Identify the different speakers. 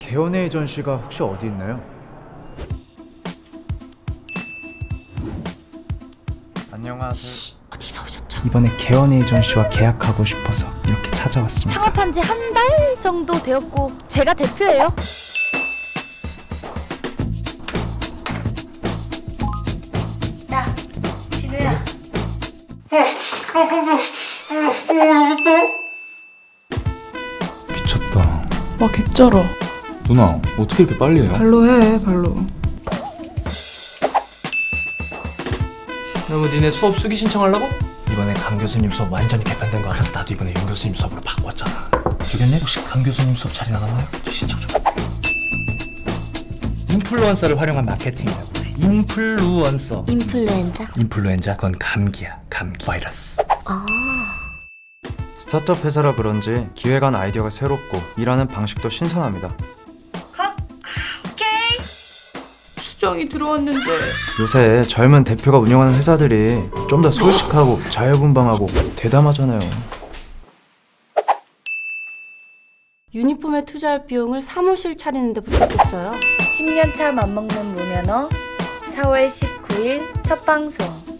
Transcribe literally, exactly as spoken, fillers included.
Speaker 1: 개연 에이전시가 혹시 어디 있나요? 안녕하세요.
Speaker 2: 어디서 오셨죠?
Speaker 1: 이번에 개연 에이전시와 계약하고 싶어서 이렇게 찾아왔습니다.
Speaker 2: 창업한 지 한 달 정도 되었고 제가 대표예요. 야, 진우야.
Speaker 3: 미쳤다.
Speaker 4: 와 개쩔어.
Speaker 3: 누나 어떻게 이렇게 빨리 해요?
Speaker 4: 발로 해 발로.
Speaker 5: 그러면 니네 수업 수기 신청하려고?
Speaker 6: 이번에 강 교수님 수업 완전히 개편된 거 알아서 나도 이번에 윤 교수님 수업으로 바꿨잖아. 주겠네? 혹시 강 교수님 수업 자리 나갔나요? 신청 좀.
Speaker 5: 인플루언서를 활용한 마케팅이라고. 인플루언서.
Speaker 2: 인플루엔자.
Speaker 6: 인플루엔자? 그건 감기야. 감기 바이러스.
Speaker 2: 아.
Speaker 1: 스타트업 회사라 그런지 기획안 아이디어가 새롭고 일하는 방식도 신선합니다.
Speaker 2: 컷. 오케이.
Speaker 4: 수정이 들어왔는데.
Speaker 1: 요새 젊은 대표가 운영하는 회사들이 좀 더 솔직하고 자유분방하고 대담하잖아요.
Speaker 7: 유니폼에 투자할 비용을 사무실 차리는 데 부탁했어요.
Speaker 2: 십 년 차 맘먹는 무면허 사월 십구일 첫 방송.